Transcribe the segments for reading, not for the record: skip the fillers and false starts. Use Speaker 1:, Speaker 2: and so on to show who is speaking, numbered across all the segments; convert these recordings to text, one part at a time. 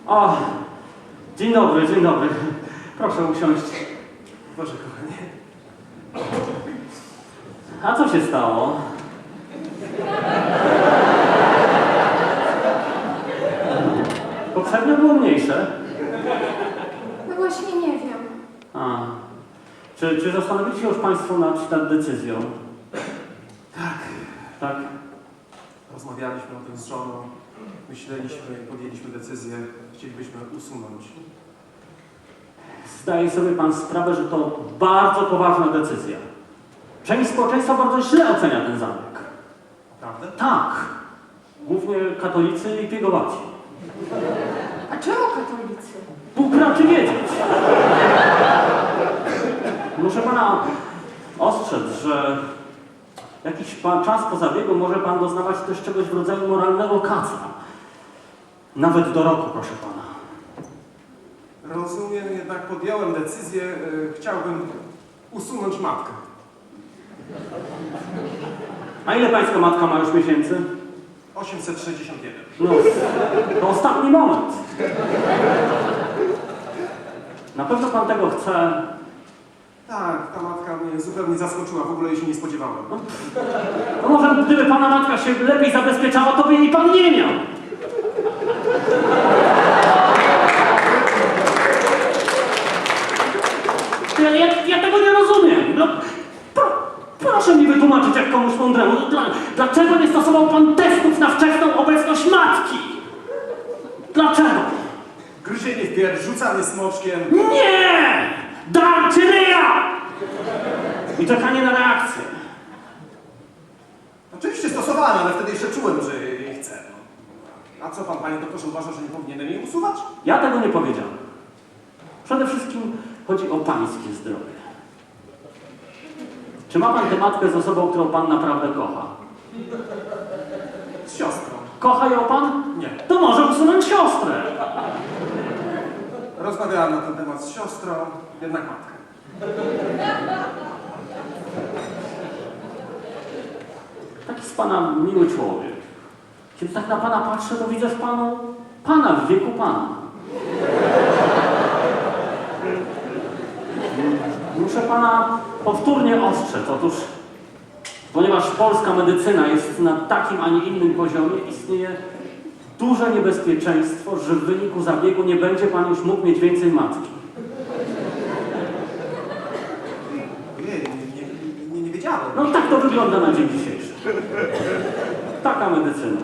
Speaker 1: O, dzień dobry, dzień dobry. Proszę usiąść.
Speaker 2: Boże, kochanie.
Speaker 1: A co się stało? Poprzednio było mniejsze.
Speaker 3: No właśnie nie wiem.
Speaker 1: A. Czy zastanowili się już Państwo nad decyzją?
Speaker 2: Tak.
Speaker 1: Tak?
Speaker 2: Rozmawialiśmy o tym z żoną. Myśleliśmy i podjęliśmy decyzję. Chcielibyśmy usunąć.
Speaker 1: Zdaje sobie Pan sprawę, że to bardzo poważna decyzja. Część społeczeństwa bardzo źle ocenia ten zabieg.
Speaker 2: Prawda?
Speaker 1: Tak. Głównie katolicy i piegowaci.
Speaker 3: A czemu katolicy?
Speaker 1: Bóg raczy wiedzieć. Muszę Pana ostrzec, że jakiś czas po zabiegu może Pan doznawać też czegoś w rodzaju moralnego kaca. Nawet do roku, proszę Pana.
Speaker 2: Rozumiem, jednak podjąłem decyzję. Chciałbym usunąć matkę.
Speaker 1: A ile Pańska matka ma już miesięcy?
Speaker 2: 861.
Speaker 1: No, to ostatni moment. Na pewno Pan tego chce.
Speaker 2: Tak, ta matka mnie zupełnie zaskoczyła. W ogóle jej się nie spodziewałem.
Speaker 1: No może gdyby Pana matka się lepiej zabezpieczała, to by jej Pan nie miał. Ja tego nie rozumiem. No, proszę mi wytłumaczyć jak komuś mądremu. Dlaczego nie stosował Pan testów na wczesną obecność matki? Dlaczego?
Speaker 2: Gryzienie w pierś, rzucanie smoczkiem.
Speaker 1: Nie! Darcie ryja! I czekanie na reakcję.
Speaker 2: Oczywiście stosowałem, ale wtedy jeszcze czułem, że jej chcę. A co pan, panie doktorze, uważa, że nie powinienem jej usuwać?
Speaker 1: Ja tego nie powiedziałem. Przede wszystkim chodzi o Pańskie zdrowie. Czy ma Pan tę matkę z osobą, którą Pan naprawdę kocha?
Speaker 2: Z siostrą.
Speaker 1: Kocha ją Pan?
Speaker 2: Nie.
Speaker 1: To może usunąć siostrę.
Speaker 2: Rozmawiałem na ten temat z siostrą, jednak matkę.
Speaker 1: Taki z Pana miły człowiek. Kiedy tak na Pana patrzę, to widzę w Panu Pana w wieku Pana. Muszę Pana powtórnie ostrzec. Otóż, ponieważ polska medycyna jest na takim, a nie innym poziomie, istnieje duże niebezpieczeństwo, że w wyniku zabiegu nie będzie Pan już mógł mieć więcej matki.
Speaker 2: Ojej, nie wiedziałem.
Speaker 1: No tak to wygląda na dzień dzisiejszy. Taka medycyna.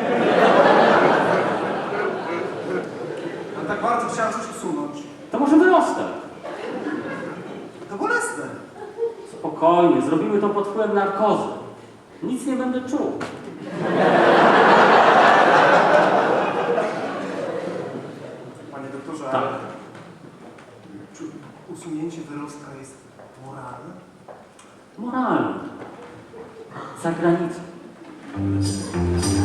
Speaker 2: Ale tak bardzo chciałem coś usunąć.
Speaker 1: To może wyrostek.
Speaker 2: To bolesne.
Speaker 1: Spokojnie, zrobimy to pod wpływem narkozy. Nic nie będę czuł.
Speaker 2: Panie doktorze,
Speaker 1: Tak.
Speaker 2: ale czy usunięcie wyrostka jest moralne?
Speaker 1: Moralne. Za granicą.